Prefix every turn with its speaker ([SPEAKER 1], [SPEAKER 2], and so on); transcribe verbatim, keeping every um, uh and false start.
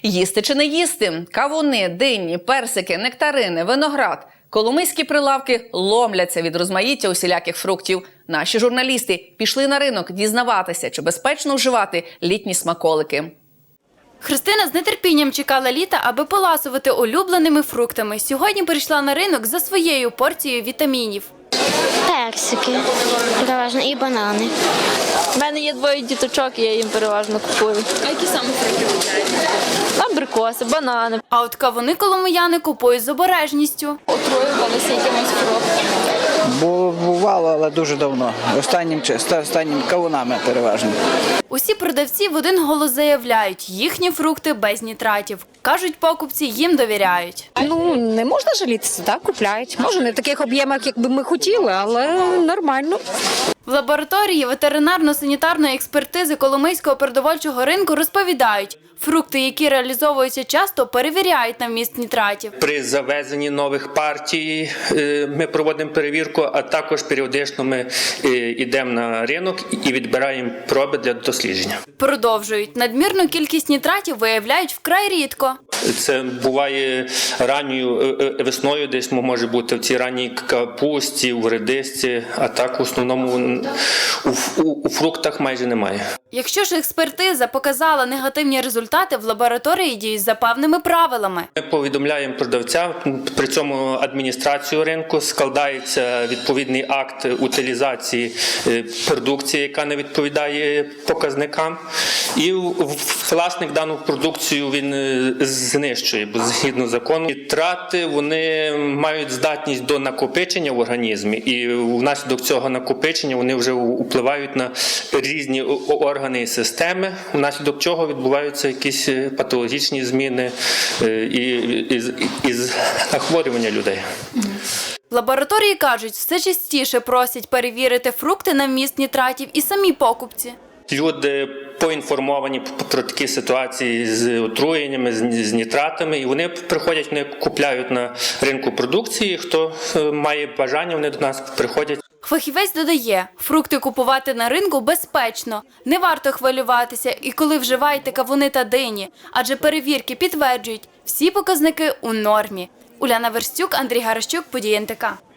[SPEAKER 1] Їсти чи не їсти? Кавуни, дині, персики, нектарини, виноград. Коломийські прилавки ломляться від розмаїття усіляких фруктів. Наші журналісти пішли на ринок дізнаватися, чи безпечно вживати літні смаколики.
[SPEAKER 2] Христина з нетерпінням чекала літа, аби поласувати улюбленими фруктами. Сьогодні прийшла на ринок за своєю порцією вітамінів.
[SPEAKER 3] Персики, переважно, і банани.
[SPEAKER 4] У мене є двоє діточок, і я їм переважно купую.
[SPEAKER 2] А які саме фрукти купуєте?
[SPEAKER 4] Абрикоси, банани.
[SPEAKER 2] А от кавуни коломияни купують з обережністю.
[SPEAKER 4] Отруювалися якимось фруктами.
[SPEAKER 5] Бо бувало, але дуже давно. Останнім, останнім кавунами переважно.
[SPEAKER 2] Усі продавці в один голос заявляють, їхні фрукти без нітратів. Кажуть, покупці їм довіряють.
[SPEAKER 6] Ну, не можна жалітися, так, купляють. Може, не в таких об'ємах, як би ми хотіли, але нормально.
[SPEAKER 2] В лабораторії ветеринарно-санітарної експертизи Коломийського продовольчого ринку розповідають, фрукти, які реалізовуються часто, перевіряють на вміст нітратів.
[SPEAKER 7] При завезенні нових партій ми проводимо перевірку, а також періодично ми йдемо на ринок і відбираємо проби для дослідження.
[SPEAKER 2] Продовжують. Надмірну кількість нітратів виявляють вкрай рідко.
[SPEAKER 7] Це буває ранньою весною, десь може бути в цій ранній капусті, в редисці, а так в основному у, у, у фруктах майже немає.
[SPEAKER 2] Якщо ж експертиза показала негативні результати, в лабораторії діють за певними правилами.
[SPEAKER 7] Ми повідомляємо продавця, при цьому адміністрацію ринку, складається відповідний акт утилізації продукції, яка не відповідає показникам, і власник дану продукцію він знищує, бо згідно закону. Нітрати, вони мають здатність до накопичення в організмі, і внаслідок цього накопичення вони вже впливають на різні органи і системи, внаслідок чого відбуваються якісь патологічні зміни і, і, і захворювання людей.
[SPEAKER 2] В лабораторії кажуть, все частіше просять перевірити фрукти на вміст нітратів і самі покупці.
[SPEAKER 7] Люди поінформовані про такі ситуації з отруєннями, з нітратами, і вони приходять, вони купляють на ринку продукції. Хто має бажання, вони до нас приходять.
[SPEAKER 2] Фахівець додає, фрукти купувати на ринку безпечно, не варто хвилюватися і коли вживаєте кавуни та дині, адже перевірки підтверджують, всі показники у нормі. Уляна Верстюк, Андрій Гаращук, Події ен те ка.